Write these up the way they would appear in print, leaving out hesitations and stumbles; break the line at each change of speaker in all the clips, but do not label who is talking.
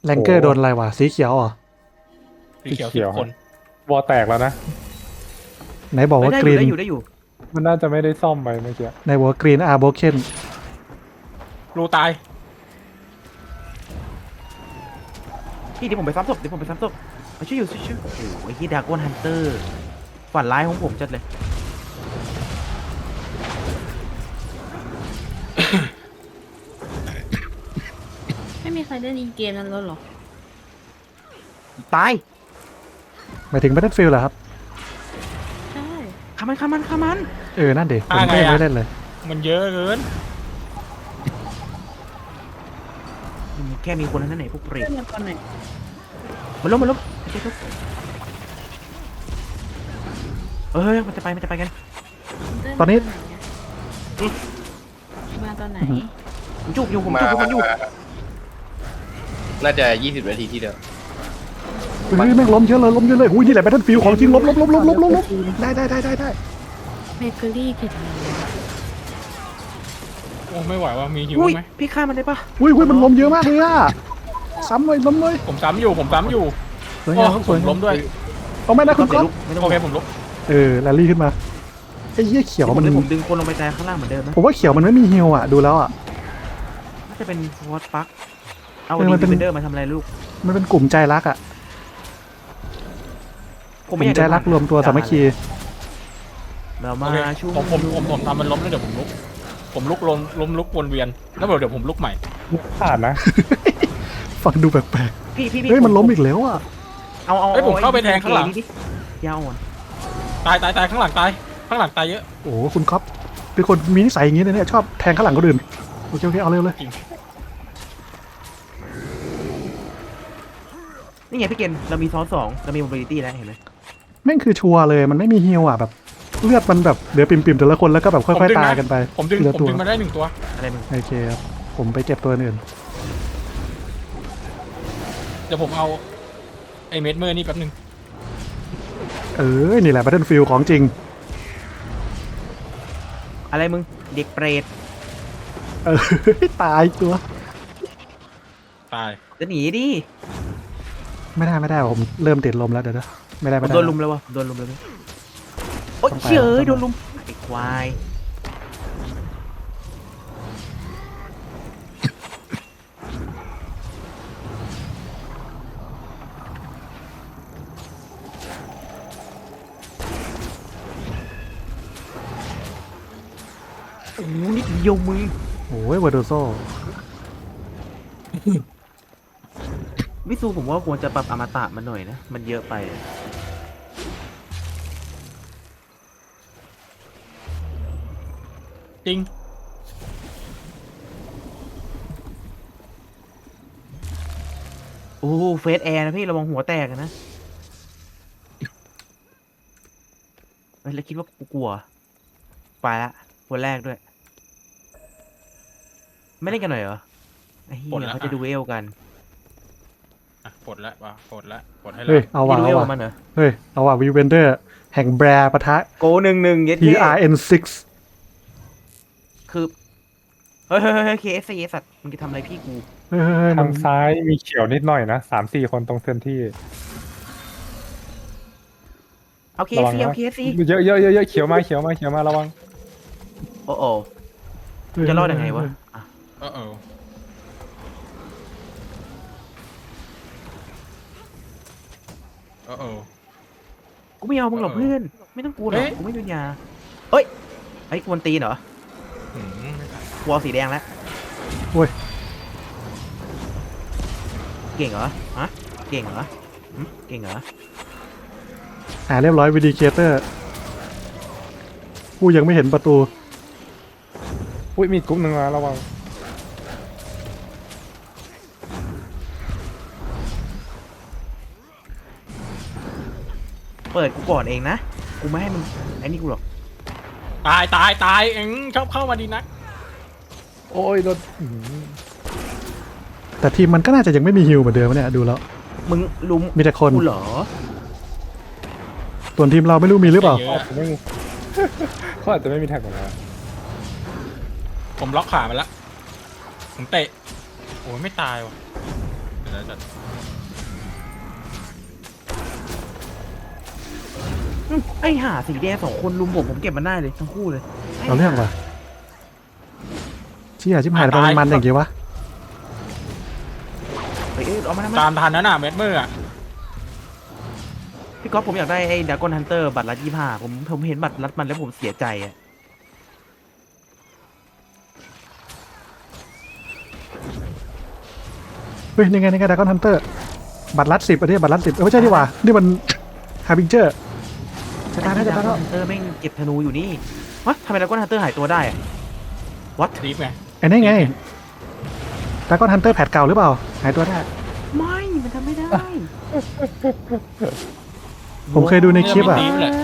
แรงเกอร์โดนอะไรวะสีเขียวเหรอ
สีเขียว10 คน
วอลแตกแล้วนะ
ไหนบอกว่า
ได้
ก
อ
รี
ยู่
น
ได้อยู่
มันน่าจะไม่ได้ซ่อมไปเมื่อกี้
ในบอกว่ากรีนอาร์โบเคน
รูตาย
พี่เดี๋ยวผมไปซ้ำศพมาช่วยอยู่ช่วยโอ้โหไอ้ที่ดากอนฮันเตอร์ฝันร้ายของผมจัดเลย
ไม่มีใครเล่นอีเกมนั้นแล้วหรอ
ตาย
หมายถึง Battlefield เหรอครับ
ใช่
ขามัน
นั่นเด็กผมก็ยังไม่เล่นเลย
มันเยอะเกิน
แค่มีคนนั้นไหนพวกเปร
เล่
ต
นมาตอนไหน
มันล้มโอเคทุกเฮ้ยมันจะไปกัน
ตอนนี้
มาตอนไหน
ผมจุกอยู่มันอยู่
น่าจะ20 นาทีที่เดียว
เฮ้ยแม่งล้มเยอะเลยหุ้ยนี่แหละ Battlefield ของจริงล้มได้
เบเกอรี่เข็ดแล้ว
โอ้ไม่ไหวว่ามีหิว
อุ้ย
ไหม
พี่ฆ่ามันได้ปะ
หุ้ยมันล้มเยอะมากเลยอะซ้ำเลย
ผมซ้ำอยู่
สวย
โอ้
งาม
ผ
สวย
ม
งาม
ล้มด้วย
เอาไม่นะคุณก๊อฟ
ไม่ต้อง
โอเคผมลุก
แรลลี่ขึ้นมาไอ้เหี้ยเขียวมัน
ผมดึงคนลงไปแต่ข้างล่างเหมือนเดิมนะ
ผมว่าเขียวมันไม่มีฮิลอะดูแล้วอะ
น่าจะเป็นวอตฟักเอา
เออ
ดี
มันเป็น
เวนเดอร์มาทำอะไรลูก
มันเป็นกลุ่มใจรักอะกลุ่มใจรักรวมตัวสามัคคี
เรา
โอ
มา
เค
ชุ่ม
ผมทำมันล้มแล้วเดี๋ยวผมลุก ล้มลุกวนเวียน แล้วเดี๋ยวผมลุกใหม่
ขาดนะ
ฟังดูแปลก
พี่
ๆเฮ้ยมันล้มอีกแล้วอะ
เอา
เฮ้ยผมเข้าไปแทงข้างหลัง
ดิยาวอ่อน
ตายข้างหลังตายเยอะ
โอ้โหคุณก๊อฟเป็นคนมีนิสัยอย่างนี้เลยเนี่ยชอบแทงข้างหลังคนอื่นโอเคเอาเร็วเลย
นี่ไงพี่เกณฑ์เรามีซ้อน2เรามี mobility แล้วเห็นไหม
แม่งคือชัวร์เลยมันไม่มีฮิลอะแบบเลือดมันแบบเหลือปิ่มๆแต่ละคนแล้วก็แบบค่อยๆตายกันไป
ผมดึง
ทีละตัว
มาได้1 ตัว
อะไรมึง
โอเคครับผมไปเก็บตัวอื่น
เดี๋ยวผมเอาไอ้เม็ดเมอร์นี่แป๊บนึง
นี่แหละ Battlefield ของจริง
อะไรมึงเด็กเปรต
เออ ตายตัว
ตาย
จะหนีดิ
ไม่ได้ผมเริ่มติดลมแล้วเดี๋ยวนะไม่ได้
ผมโดนลุมแล้ววะโดนลุมแล้วมั้ยโอ๊ยเฉยโดนลุมไอ้ควายโอ้โหนิดเดียวมึง
โอ้ยวาโดโซ
วิซูผมว่าควรจะปรับอมตะมันหน่อยนะ มันเยอะไป
จริง
โอ้เฟสแอร์นะพี่ระวังหัวแตกนะเฮ้ยแล้วคิดว่ากูกลัวไปละคนแรกด้วย ไม่เล่นกันหน่อยเหรอไอ้เหี้
ปลด
ย
ละ
เขาจะดูเอลกัน
ปลดให้
เฮ้
แล้
ยว เอาว่ะ
จะดู
เอา
เอล
ว่ะ
มันเหรอ
เฮ้ยเอาว่ะวีเวนเดอร์แห่งแบร์ปะทะ
โก1-1เย็ด
TRN6
คือเฮ้ยKFC สัตว์มึงจะทำอะไรพี่กู
เฮ้ยมั
ทาน งซ้ายมีเขียวนิดหน่อยนะ3-4 คนตรงเซนที่
เอา
ระวั
KFC
ง
เอา
นะ
KFC
เยอะเขียวมาระวัง
โอ้โหจะรอดยังไงวะอ่ะ กูไม่เอามึงหรอกเพื่อนไม่ต้องกลัวหรอกกูไม่มีปัญญาเอ้ยไอ้กวนตีนเหรอกูเอาสีแดงแล้ว
โอ้ย
เก่งเหรอฮะเก่งเหรอหึเก่งเหรอ
เรียบร้อยวิดีเคเตอร์กูยังไม่เห็นประตู
อุ้ยมีกลุ่มหนึ่งมาระวัง
เปิดกูก่อนเองนะกูไม่ให้มึงไอ้นี่กูหรอก
ตายเอ็งชอบเข้ามาดีนัก
โอ้ยโดน
แต่ทีมมันก็น่าจะยังไม่มีฮิลเหมือนเดิมเนี่ยดูแล้ว
มึงลุม
มีแต่คน
กูเหรอ
ส่วนทีมเราไม่รู้มีหรือเปล่า
เยอะ
ไม่มี เขาอาจจะไม่มีแท็กของเรา
ผมล็อกขามันละผมเตะโอ้ยไม่ตายว่ะเดี๋ยวจะ
ไอ้ห่าสีแดง2 คนลุมผมเก็บมันได้เลยทั้งคู่เลย
เอาเรื่องว่ะเชี่ยชิบหายไปมันอย่างเงี้ยวะ
เฮ้ยเอามาทำไม
ตามทันนั้นน่ะเม็ดมืออ่ะ
พี่ก๊อฟผมอยากได้ไอ้ดากอนฮันเตอร์บัตรละ25ผมเห็นบัตรลัดมันแล้วผมเสียใจอ่ะ
เฮ้ยนี่ไงดากอนฮันเตอร์บัตรลัด10อันนี้บัตรลัด10ไม่ใช่ดีกว่านี่มันฮาร์บิงเจอร์จะตายแล้วจะ
ดา
ตาย
ก
แล้
อน
ว
ฮันเตอร์แม่งเก็บธนูอยู่นี่วะทำไมดากอนฮันเตอร์หายตัวได้อะวัด
รีบไง
ไอ้นี่ไงดากอนฮันเตอร์แพทเก่าหรือเปล่าหายตัวได้
ไม่มันทำไม่ได้
ผมเคยดูในคลิปอ่ะ
รีบเลย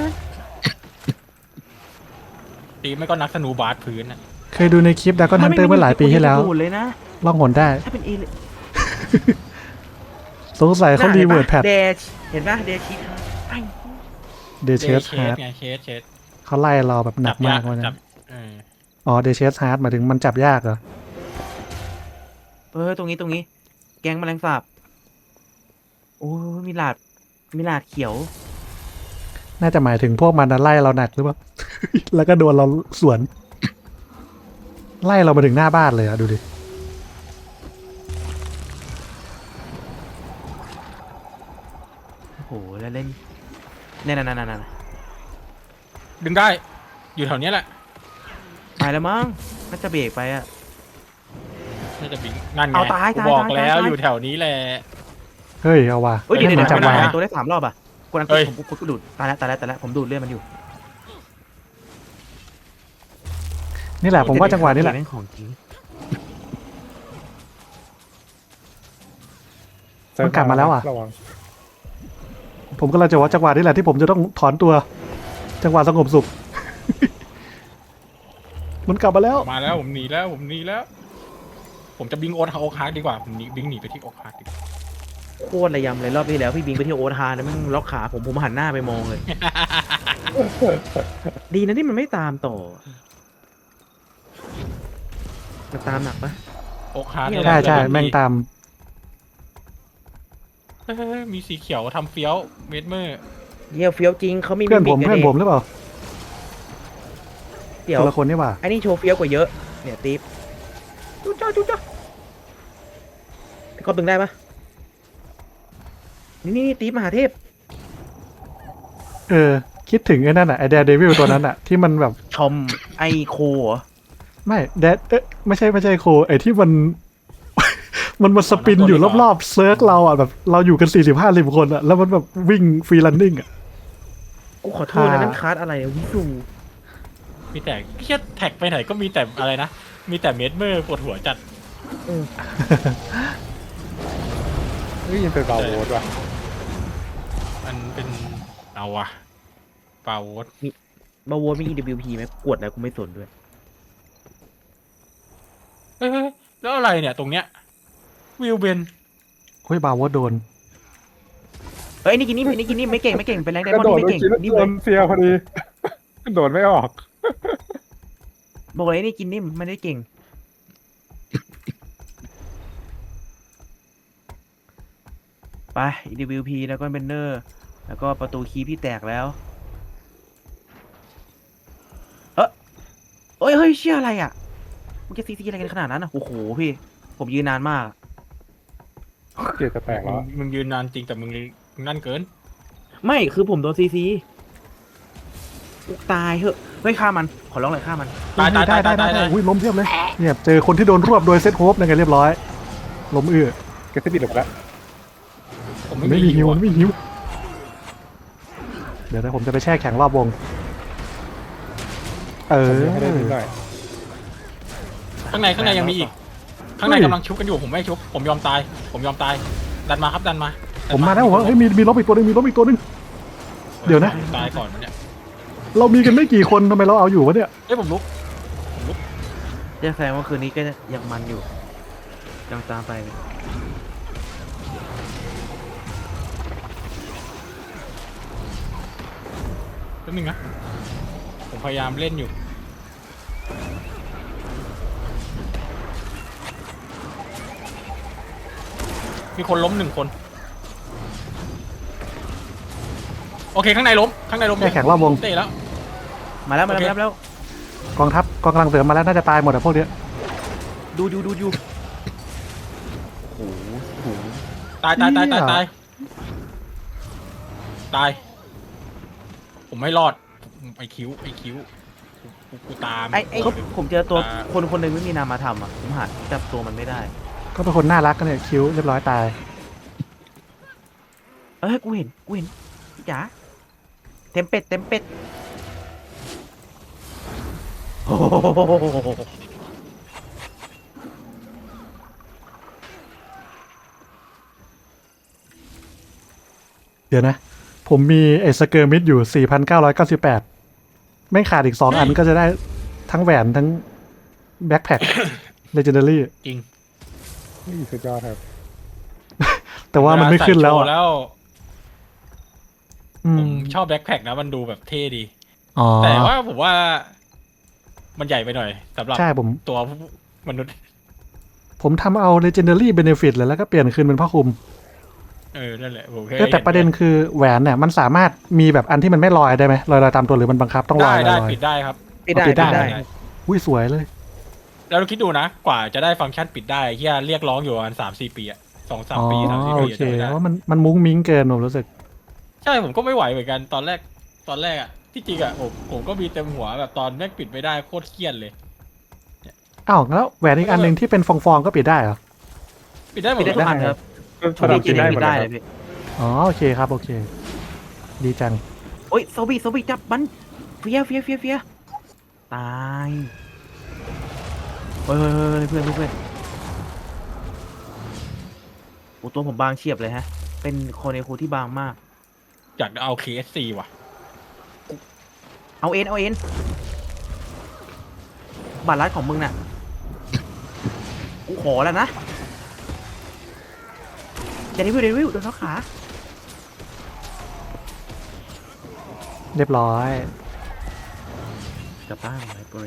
รีบไม่ก็นักธนูบาสพื้นอ่ะ
เคยดูในคลิปดากอนฮันเตอร์เมื่อหลายปีที่แล้ว
ดูดเลยนะ
ล่องหนได้
ถ้าเป็นเอเล
สงสัยเขารีเวิร์ดแพท
เดชเห็นปะเดชิไอ้
เดเชสฮาร์ด
ไงเชส
เขาไล่เราแบบหนั
จั
ก
บ
มาย
าก ก
วันนั้
จับ
น
เออ
อ๋อเดเชสฮาร์ดหมายถึงมันจับยากเหรอ
ตรงนี้ แกงแมลงสาบโอ้ยมีหลาดเขียว
น่าจะหมายถึงพวกมันน่ะไล่เราหนักหรือเปล่า แล้วก็โดนเราสวน ไล่เรามาถึงหน้าบ้านเลยอะดูดิ
โอ้โหแล้วเล่นนั่น
ดึงได้ อยู่แถวเนี้ยแหละ
ไปแล้วมั้งน่าจะเบรกไปอะ
น่าจะบิงนั่นไง
เอาตาย
กูบอก
ตาย
แล้ว
ตาย
อยู่แถวนี้แหละ
เฮ้ยเอาว่ะ
เฮ้ยเดี๋ยว
ให้มันจับ
ไม่ได้
วาง
หายตัวได้3 รอบอะกดอัน
เฮ้ย
ผมดูดตายแล้วผมดูดเลือดมันอยู่
นี่แหละผมว่าจังหวะนี้แหละ
ม่งของจริง
มันกลับมาแล้วอะ
ระวัง
ผมก็เลยจะว่าจังหวะนี้แหละที่ผมจะต้องถอนตัว จังหวะสงบสุข มันกลับมาแล้ว
มาแล้วผมหนีแล้ว ผมจะบิงโอ๊ตโอ๊คฮาร์ดดีกว่าผมบิงหนีไปที่โอ๊คฮาร์ดดีกว่า
โคตรระยำเลยรอบที่แล้วพี่บิงไปที่โอทาแล้วมันล็อกขาผมหันหน้าไปมองเลย ดีนะที่มันไม่ตามต่อมันตามหนักปะ
โอ๊คฮาร์ด
ใช่ใช่แม่งตาม
เฮ้ยมีสีเขียวทำเฟี้ยวเม็ดมือ
เยี่ยเฟี้ยวจริงเขามี
เพื่อนผม
มิก
เพื่อน
กั
ผมหรือเปล่า
เดี๋ยว
คนละคนนี่หว่า
ไอ้นี่โชว์เฟี้ยวกว่าเยอะเนี่ยติ๊บจุ๊จ้าพี่ก๊อฟดึงได้ปะนี่ติ๊บมหาเทพ
คิดถึงไอ้นั่นอ่ะไอแดร์เดวิลตัวนั้นอ่ะ ที่มันแบบ
ชมไอโคเหรอ
ไม่แดดไม่ใช่โคไอที่มัน มันมาสปินอยู่รอบๆเซิร์กเราอ่ะแบบเราอยู่กัน40-50 คนอ่ะแล้วมันแบบวิ่งฟรีลันนิ่งอ่ะ
กูขอโทษนะนั่นคาร์ดอะไรอะวิสู
มีแต่เพี้ยแท็กไปไหนก็มีแต่อะไรนะมีแต่เม็ดมือปวดหัวจัด
เฮ้ยยังเป็นบาโวดว่ะ
มันเป็นเอาวะเปล่าโวต
บาโวมี EWP ไหมกวดอะไรกูไม่สนด้วย
เฮ้ยแล้วอะไรเนี่ยตรงเนี้ยวิวเบน
เฮ้ยบาวโดน
เฮ้ยนี่กินนี่ไม่เก่งเป็นแรงได
กระ
มอน
โด
ด์
ด
ไม่
โดน
เก่ง
กิน
นี่
โด
เลย
นเฟียพอดี โดดไม่ออก
บอกเลยนี่กินนิ่มไม่ได้เก่ง ไป EWP แล้วก็เบนเนอร์แล้วก็ประตูคีย์พี่แตกแล้วเฮ้ยเชี่ยอะไรอ่ะมันจะซีอะไรกันขนาดนั้นอ่ะโอ้โหพี่ผมยืนนานมาก
เกียร์จะแตกแล้ว
มึงยืนนานจริงแต่มึงนั่นเกิน
ไม่คือผมโดนซีตายเหอะเฮ้ยฆ่ามันขอร้องเลยฆ่ามัน
ตาย
ได้อุ้ยล้มเทียบเลยเนี่ยเจอคนที่โดนรวบโดยเซตโฮปนั่นไงเรียบร้อยล้มอื้อ
เกียร์จะปิดหลบแล้ว
ผม
ไม่
ไม่
มี
มี
ฮิว
อะ
ไม่มีฮิวเดี๋ยวนะผมจะไปแช่แข็งรอบวง
ให้ได้นิดหน่อย
ข้างในยังมีอีก ข้างในกำลังชุบกันอยู่ผมไม่ชุบผมยอมตายดันมาครับดันมา
ผมมาแล้วผมว่าเฮ้ยมีล้มอีกตัวนึงเดี๋ยวนะ
ตายก่อนมันเนี่ย
เรามีกันไม่กี่คนทำไมเราเอาอยู่วะเนี่ย
เอ้ยผมลุก
จะแสดงว่าคืนนี้ก็ยังมันอยู่ยังตามไปเลย
แป๊บนึงนะผมพยายามเล่นอยู่มีคนล้ม1 คนโอเคข้างในล้ม
แค่แข่งรอบวง
เตะแล้ว
มาแล้วมา
โอเค
แล้วมาแล้ว
กองทัพกองกำลังเสริมมาแล้วน่าจะตายหมดอะพวกเนี้ย
ดูโอ้โห
ตายผมไม่รอดไอคิ้วกูตาม
ไอ้ผมเจอตัวคนหนึ่งไม่มีนามธรรมอ่ะผมหาจับตัวมันไม่ได้
ก็เป็นคนน่ารักกันเนี่ยคิ้วเรียบร้อยตาย
กูเห็นพี่จ๋าเต็มเป็ดโอ้โห
เดี๋ยวนะ ผมมีไอ้สเกอร์มิดอยู่ 4,998 ไม่ขาดอีก 2 อันก็จะได้ทั้งแหวนทั้งแบ็คแพ็ค Legendary
จริง
นี่สุดยอดครับ
แต่ว่ามันไม่ขึ้นแล้ว
เวา
อะ
ใส่โชแล้ว
อื
ผม มชอบแบ็คแพ็คนะมันดูแบบเท่ดี
อ๋อ
แต่ว่าผมว่ามันใหญ่ไปหน่อยสำหรับ
ใช่ผม
ตัวมนุษย์
ผมทำเอา Legendary Benefit เลยแล้วก็เปลี่ยนคืนเป็นผ้าคลุม
นั่นแหละผม
แต่ประเด็นคือแหวนเนี่ยมันสามารถมีแบบอันที่มันไม่ลอยได้ไหมลอยตามตัวหรือมันบังคับต้องลอย
ได้
ลอย
ปิดได้ครับ
ปิดได้
ปิดได้
ปิดได้
อุ้ยสวยเลย
แล้วเราคิดดูนะ กว่าจะได้ฟังก์ชันปิดได้เฮียเรียกร้องอยู่ประมาณ3-4 ปีอะ2-3
อ๋อ
ปี3-4
โอ
ปี
เค
จะไม่ได้
ว่ามันมุ้งมิ้งเกินผมรู้สึก
ใช่ผมก็ไม่ไหวเหมือนกันตอนแรกอะที่จริงอะผมก็มีเต็มหัวแบบตอนแม่งปิดไม่ได้โคตรเครียดเลย
อ้าวแล้วแหวนอีกอันหนึ่งที่เป็นฟองๆก็ปิดได้เหรอ
ปิดได้หม
ปิ
ด
ดได้ทุกอันครับ
สลับกินได้หมด
ได้
เลย
เลยพี่
อ๋อโอเคครับโอเค ดีจัง
โอ้ยโซบีจับมันเฟียตายเฮ้ยเพื่อนโอ้ตัวผมบางเฉียบเลยฮะ เป็นโคเนคูที่บางมาก
อยากเอา KSC ว่ะ
เอาเอ็นบัตรลัดของมึงน่ะกูขอแล้วนะอย่าเดวิลโดนเขาขา
เรียบร้อย
กลับบ้านไลบรารี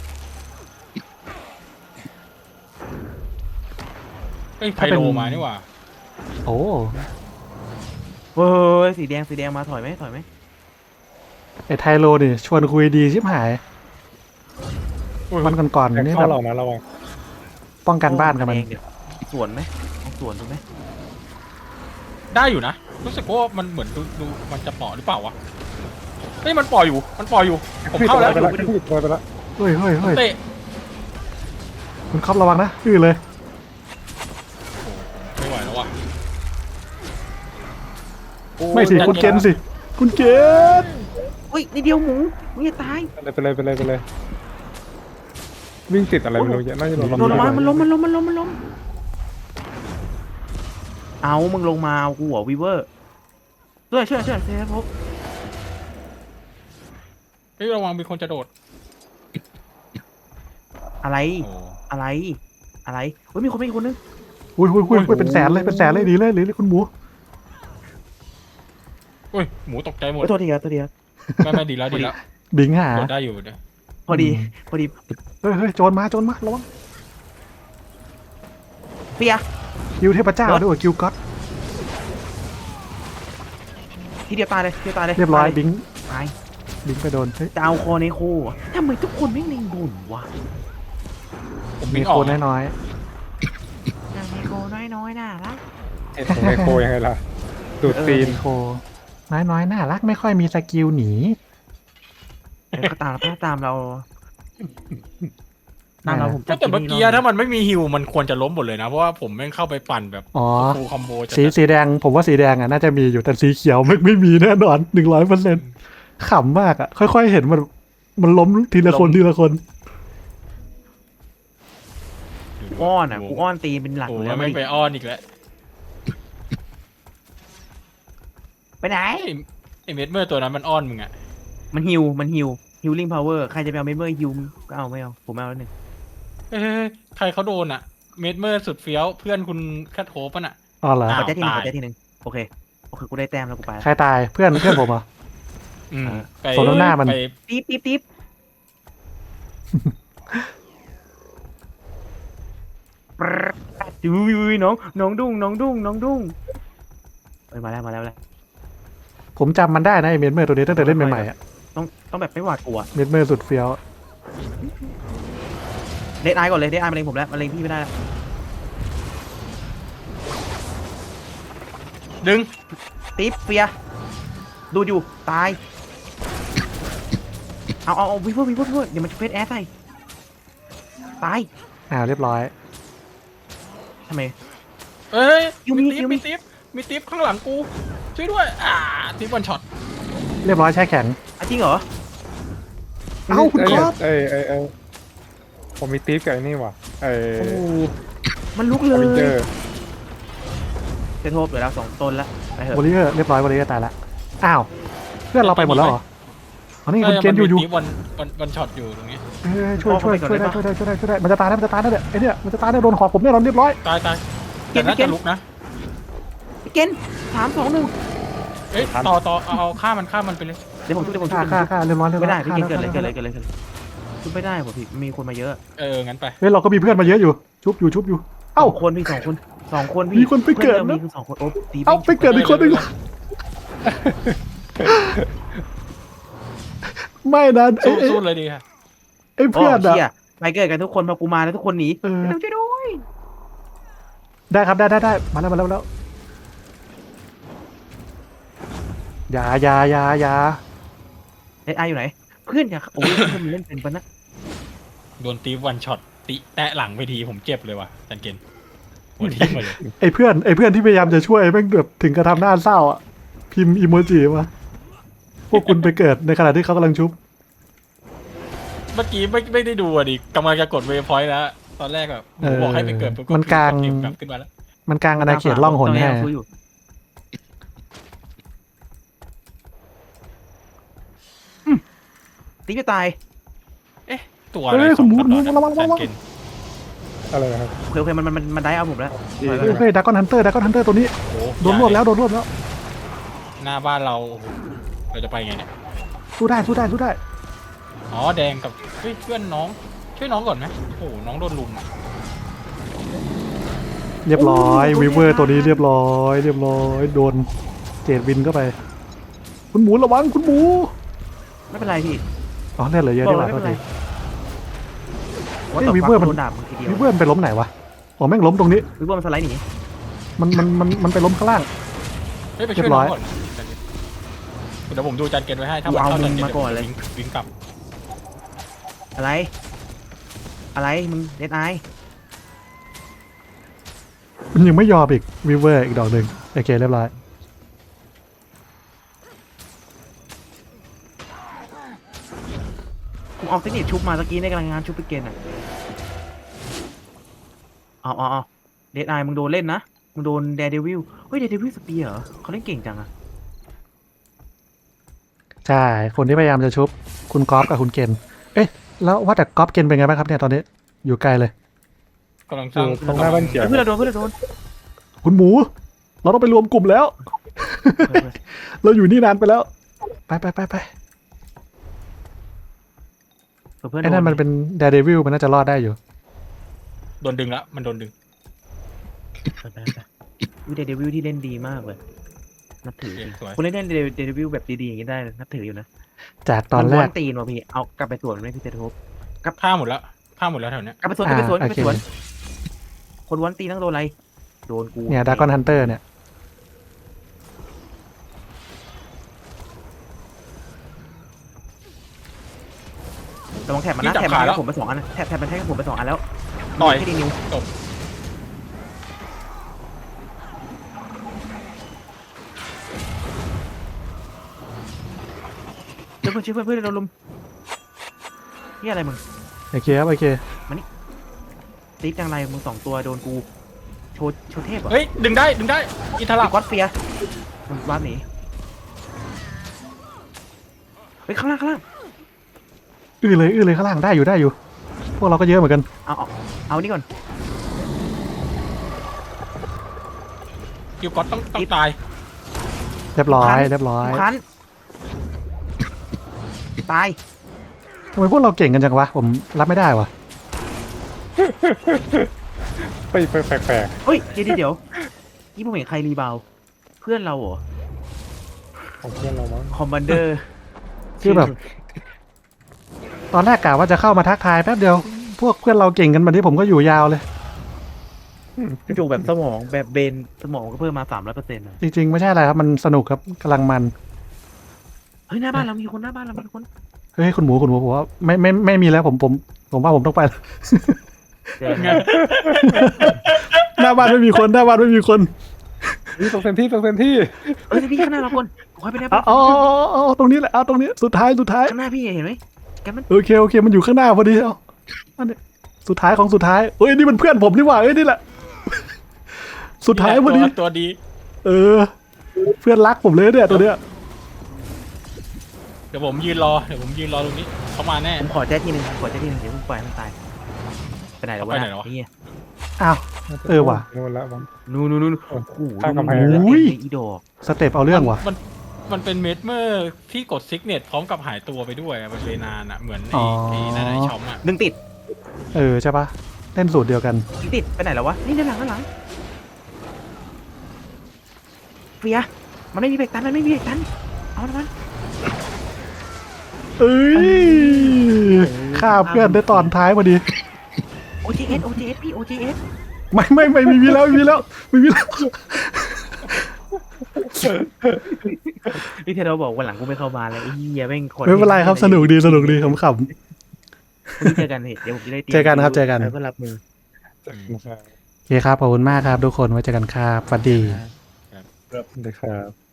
เฮ้ยไพ
ถ้าเป็น
โลมานี่หว่า
โอ้
เฮ้ยสีแดงมาถอยไหม
ไอไทโรนี่ชวนคุยดีชิบหาย
อุ้ย
วันก่อน
แข่ง
ๆนี่
เข้า
แบบ
เรานะระวัง
ป้องกันบ้านกันมัน
แดงเดี๋ยวสวนไหมเอาสวนดูไหม
ได้อยู่นะ รู้สึกว่ามันเหมือนดูมันจะเปาะหรือเปล่าวะเฮ้ยมันปล่อยอยู่ผมเข้าแล้ว
ไปแล้วไปแล้ว
เฮ้ย
เตะ
คุณครอบระวังนะอื้อเลย
ไม่ไหวแล้วว่ะ
ไม่สิคุณเกณฑ์สิคุณเกณฑ์
อุ้ยนี่เดียวหมูมึงจะตาย
ไปเลยวิ่งติดอะไรไม่รู้เยอะน่าจะโดน
โดนลงมามันล้มเอามึงลงมาเอากูหัววีเวอร์ช่วยเซฟพบ
เฮ้ยระวังมีคนจะโดด
อะไร
โอ้
เฮ้ยมีคนนึง
อุ้ยเป็นแสนเลยดีเลยหรือคุณหมู
อุ้ยหมูตกใจหมด
โทษทีครับ
ไม่ดีแล้ว
บิงหา
โดดได้อยู่เนี่ย
พอดี
เฮ้ยโจรมาระวัง
เปีย
คิวเทพเจ้าด้วยคิวก็อต
ทีเดียวตายเลย
เรียบร้อยบิง
ตาย
บิงไปโดนเฮ้ย
จะเอาคอในโคทำไมทุกคนไม่เล็งบุญวะ
ผม
มี
วิ่ง
โค
ออก
นน้อย
ในโคน้อยน่ารัก
ไมโครยังไงล่ะดูดตี
ๆ
น
มีโคน้อยน่ารักไม่ค่อยมีสกิลหนี
ก็ตามเราตามเราผม
แต่เมื่อกี้ถ้ามันไม่มีฮิวมันควรจะล้มหมดเลยนะเพราะว่าผมแม่งเข้าไปปั่นแบบ
อ๋อ
ฟูลคอมโบจะ
สีแดงผมว่าสีแดงอ่ะน่าจะมีอยู่แต่สีเขียวไม่มีแน่นอน 100%ขำมากอ่ะ ค่อยๆเห็นมันล้มทีละคน
อ้อนกูอ้อนตีเป็นหลัก
โอ้
อยู่
แล้
แล้ว ว
ไม่ไปอ้อนอีกแล้ว
ไปไหน
ไอเม็ดเมื่อตัวนั้นมันอ้อนมึงอะ
มันฮิวฮิลลิ่งพาวเวอร์ใครจะไปเอาเมมเบอร์ฮิวก็เอาไม่เอาผมเอาแล้วหนึ่ง
เฮ้ยใครเขาโดนอะเม็ดเมื่อสุดเฟี้ยวเพื่อนคุณแคทโฮปะน่ะ
อ๋อเหรอ
อ้าว
ขอแจ้ทีหนึ่งโอเคกูได้แต้มแล้วกูไป
ใครตายเพื่อนผมเหรอ
อืมไป
สมน้ำหน้ามัน
ไป
ติ๊บดูน้องดุ้งเอ้ยมาแล้ว
ผมจำมันได้นะไอเมดเมอร์ตัวนี้ตั้งแต่เล่นใหม่ๆอะ
ต้องแบบไม่หวาดกลัว
เมดเมอร์สุดเฟี้ยว
เดดไอก่อนเลยเดดไอมาเล็งผมแล้วมาเล็งพี่ไม่ได้แล้ว
ดึง
ติ๊บเฟียดูอยู่ตายเอาวิวเวอร์เดี๋ยวมันจะเฟสแอสใส่ตาย
เรียบร้อย
ทำไม
เอ้ย
ยูมิ
มีติ๊บข้างหลังกูช่วยด้วยติ๊บวันช็อต
เรียบร้อยแช่แข็ง
จริงเหรอ
เอ้าคุณก๊อฟ
ผมมีตีฟกับไอ้นี่ว่ะ
โอ้มันลุกเล
อเวนเจอย ร์
เซโทบเหลือแล้ว2ต้นแล้วไปเถ
วอ
อะ
ลเลเยอร์เรียบร้อยวอลเลเยอร์ตายละอ้าวเพื่อนเราไปหมดแล้วเหรออ๋อนี่คุณเกณฑ์อยู่
ติ๊บวันช็อตอยู่ตรงนี้
ช่วยได้มันจะตายแล้วเนี่ยไอเนี่ยมันจะตายแล้วโดนหอกผมเนี่ยเราเรียบร้อย
ตายแต่น่าจะลุกนะ
เกณฑ์3 2 1
เอ้ยต่อเอาฆ่ามันไปเลย
เดี๋ยวผมช่วย
ฆ่าเรียบร้อย
ไม่ได้พี่เกณฑ์เกิดเลยชุบไม่ได้ผมพี่มีคนมาเยอะ
งั้นไป
เฮ้ยเราก็มีเพื่อนมาเยอะอยู่ชุบอยู่
เอ้าคนพี่2 คนพี่
มีคนไปเกิด
มี
นะ
คือ2 คนโอ้ตี
เอ้าไปเกิดอีกคนนึงไม่นะไอ้
สู้เลยดีค่ะ
ไอ้
เพื่
เพื่
อ
อน นอะ
ไปเกิดกันทุกคนพอกูมาแล้วทุกคนหนี ช่วยด้วย
ได้ครับได้มาแล้วอย่า
เดดไออยู่ไหนเพื่อนอย่าโอ้ยเพื่อนมันเล่นเป็นปะนะ
โดนติ๊บวันช็อตแตะหลังไปทีผมเจ็บเลยว่ะจันเกนหัวทิ่มมาเลย
ไอ้เพื่อนที่พยายามจะช่วยแม่งแบบถึงกระทำหน้าเศร้าอ่ะพิมพ์อีโมจิมาพวกคุณไปเกิดในขณะที่เขากำลังชุบ
เมื่อกี้ไม่ได้ดูดิกำลังจะกดเวฟพอยต์แล้วตอนแรกแบบบอกให้ไปเกิดปุ๊บ
มันกลาง
กลับขึ้นมาแล้ว
มันกลางอาณาเขตล่องหนแน่
ตีจะตาย
ตัวอะไรสองตัวจันเกน
อะไรนะครับ
โอเคมันได้เอาผมแล้ว
เฮ้ยดากอนฮันเตอร์ตัวนี้
โอ้
โดนรวบแล้ว
หน้าบ้านเราจะไปไงเนี่ย
สู้ได้
อ๋อแดงกับเฮ้ยเพื่อนน้องช่วยน้องก่อนไหมโอ้น้องโดนลุม
เรียบร้อยวีเวอร์ตัวนี้เรียบร้อยโดนเจดวินเข้าไปคุณหมูระวังคุณหมู
ไม่เป็นไรพี่
อ๋อเลือดเหลือเยอะดีกว่า
ไม่
โท
เป็
ษ
นไร
ที
ว่าต่อ
วิ
ไป
เวอร์มัน
โดนดาบมึงทีเดียว
วีเวอร์มันไปล้มไหนวะอ๋อแม่งล้มตรงนี้
วิเวอร์มันสไลด์หนี
มันไปล้มข้างล่าง
เฮ้ยไปช่วยน้องก่อนเดี๋ยวผมดูจันเกนไว้ให้ถ้ามันเข้าจันเกนวิ่งกลับ
อะไรมึงเดดไอ
มันยังไม่ยอมอีกวีเวอร์อีกดอกหนึ่งโอเคเรียบร้อย
ผมเอาเทคนิคชุบมาตะกี้ในกำลังงานชุบไปเกณฑ์อ่ะเอาเดดไอมึงโดนเล่นนะมึงโดนเดดเดวิลเฮ้ยเดดเดวิลสเปียร์เหรอเขาเล่นเก่งจังอะ
ใช่คนที่พยายามจะชุบคุณก๊อฟกับคุณเกณฑ์เอ๊ะแล้วว่าแต่ก๊อฟเกณฑ์เป็นไงบ้างครับเนี่ยตอนนี้อยู่ไกลเลย
กำลังสร้าง
ตรงหน้าบ้านเขียว
เพื่อนเราโดน
คุณหมู เราต้องไปรวมกลุ่มแล้ว เราอยู่นี่นานไปแล้ว ไป
เพื่อน
ไอ้นั่นมันเป็นเดดเดวิลมันน่าจะรอดได้อยู่
โดนดึงละมันโดนดึง
วิเดดเดวิลที่เล่นดีมากเลยนับถือจริง
สวย
คนเล่นเดดเดวิลแบบดีๆอย่างนี้ได้นับถืออยู่นะ
จากตอนแร
มั
ก
ม้วนตีนว่ะพี่เอากลับไปสวนไม่พี่เตทบ
ผ้าหมดแล้วแถวเนี้ย
กลับไปสวน
โอเค
คนวันตีต้องโดนอะไรโดนกู
เนี่ยดากอนฮันเตอร์เนี่ย
แต่มองแถบมันนะแถบมันให้ผมไป2 อันนะแถบมันให้ผมไป2 อันแล้ว
ต่อย
ให้ดีนิว
จบ
ช่วยเพื่อนโดนลุมนี่อะไรมึง
โอเคครับโอเค
ตีจังไรมึง2 ตัวโดนกูโชว์เทพเหรอ
เฮ้ยดึงได้อิทา
ไอ้
รา
ก๊อตเฟียมันวาร์ปหนีเฮ้ยข้างล่าง
อื้อเลยข้างล่างได้อยู่ พวกเราก็เยอะเหมือนกัน
เอานี่ก่อน
คิวก็ต้องตาย
เรียบร้อย
คันตาย
ทำไมพวกเราเก่งกันจังวะผมรับไม่ได้วะ
ไปแปลก
เฮ้ยเดี๋ยวนี่ผมเห็นใครรีบาวด์เพื่อนเราเหรอ
ๆของเพื่อนเรามั้ง
คอมมานเดอร์
คือแบบ ตอนแรกกะว่าจะเข้ามาทักทายแป๊บเดียว พวกเพื่อนเราเก่งกันมาที่ผมก็อยู่ยาวเลย
จู่แบบสมองแบบเบนสมองก็เพิ่มมา300%นะ
จริงๆ ไม่ใช่อะไรครับ มันสนุกครับกำลังมัน
เฮ้ยหน้าบ้านเรามีคนหน้าบ้านเรามีคน
เฮ้ยคุณหมูผมว่าไม่มีแล้วผมว่าผมต้องไปแล้ว
เจอ
ไง
หน้าบ้านไม่มีคนหน้าบ้านไม่มีคน
นี่ตรงเซนที่
เฮ้ยพี่ข้างหน้าเราคนขอให้ไปหน้า
เอา
บ้าน
เอาตรงนี้แหละเอาตรงนี้สุดท้าย
ข้างหน้าพี่เห็นไหมแกมัน
โอเคมันอยู่ข้างหน้าพอดีเอาอันนี้สุดท้ายของสุดท้ายเอ้ยนี่มันเพื่อนผมนี่หว่าเอ้ยนี่แหละ สุดท้ายพอดี
ตัวดี
เออ เพื่อนรักผมเลยเนี่ยตัวเนี้ย
เดี๋ยวผมยืนรอตรงนี้เขามาแน่
ผมขอแจ้ทีหนึ่งเดี๋ยวผมปล่อยให้มันตายไปไหนแล้ววะ
ไปไหนแล้ววะ
นี่
อ้าว เออว่ะ
โน่นแล้วมั้ง
นู่นโอ้โห
ข้างกำแพง
ดู
อุ้ย
อีดอก
สเต็ปเอาเรื่องว่ะ
มันเป็นเมดเมอร์ที่กดซิกเนตพร้อมกับหายตัวไปด้วยอะมันเลยนานอะเหมือน
อ๋อ
ไอ้นั่นไอ้ช็อมอะ
ดึงติด
เออใช่ปะเล่นสูตรเดียวกัน
ดึงติดไปไหนแล้ววะนี่ด้านหลังเฟียมันไม่มีเบรกตันเอามัน
เอ้ยฆ่าเพื่อนได้ตอนท้ายพอดี
OJS พี่ OJS
ไม่มีแล้วไม่มีแล้ว
พี่เทโดบอกวันหลังกูไม่เข้ามาแล้วไอ้เหี้ยแม่งคน
ไม่เป็นไรครับสนุกดีขำ
พรุ่งนี้เจอกันเดี๋ยวผมจะได้ตรียม
เจอกันครับเจอกัน
แล้วก็รับมือ
นะครับ
ๆโอเคครับขอบคุณมากครับทุกคนไว้เจอกันครับสวัสดี
สวัสดีครับ